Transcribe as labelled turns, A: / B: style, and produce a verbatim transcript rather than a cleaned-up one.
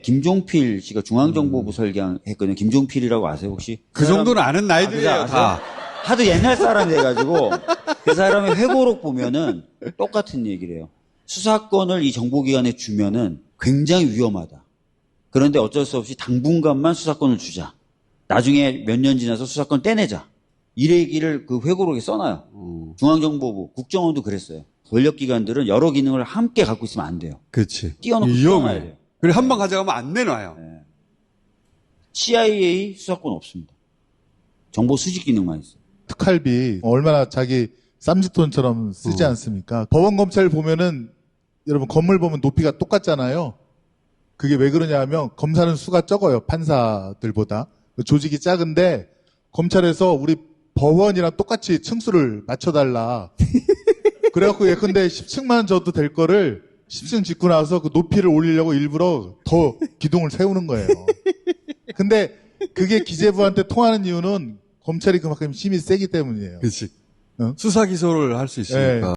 A: 김종필 씨가 중앙정보부 설계했거든요. 김종필이라고 아세요 혹시?
B: 그 정도는 아는 나이들이에요,
A: 아,
B: 다.
A: 하도 옛날 사람이 돼가지고 그 사람의 회고록 보면은 똑같은 얘기를 해요. 수사권을 이 정보기관에 주면은 굉장히 위험하다. 그런데 어쩔 수 없이 당분간만 수사권을 주자. 나중에 몇 년 지나서 수사권 떼내자. 이 얘기를 그 회고록에 써놔요.
B: 음.
A: 중앙정보부, 국정원도 그랬어요. 권력기관들은 여러 기능을 함께 갖고 있으면 안 돼요.
B: 그렇지.
A: 띄워놓고 써놔야 돼요.
B: 그리고 한 번 가져가면 안 내놔요.
A: 네. 씨아이에이 수사권 없습니다. 정보 수집 기능만 있어요.
C: 특활비 얼마나 자기 쌈짓돈처럼 쓰지
B: 어.
C: 않습니까? 법원 검찰 보면은 여러분 건물 보면 높이가 똑같잖아요. 그게 왜 그러냐 하면 검사는 수가 적어요. 판사들보다. 조직이 작은데 검찰에서 우리 법원이랑 똑같이 층수를 맞춰달라. 그래갖고 예컨대 십 층만 줘도 될 거를 십 층 짓고 나서 그 높이를 올리려고 일부러 더 기둥을 세우는 거예요. 근데 그게 기재부한테 통하는 이유는 검찰이 그만큼 힘이 세기 때문이에요.
B: 그렇지.
C: 응?
B: 수사 기소를 할 수 있으니까.
C: 네.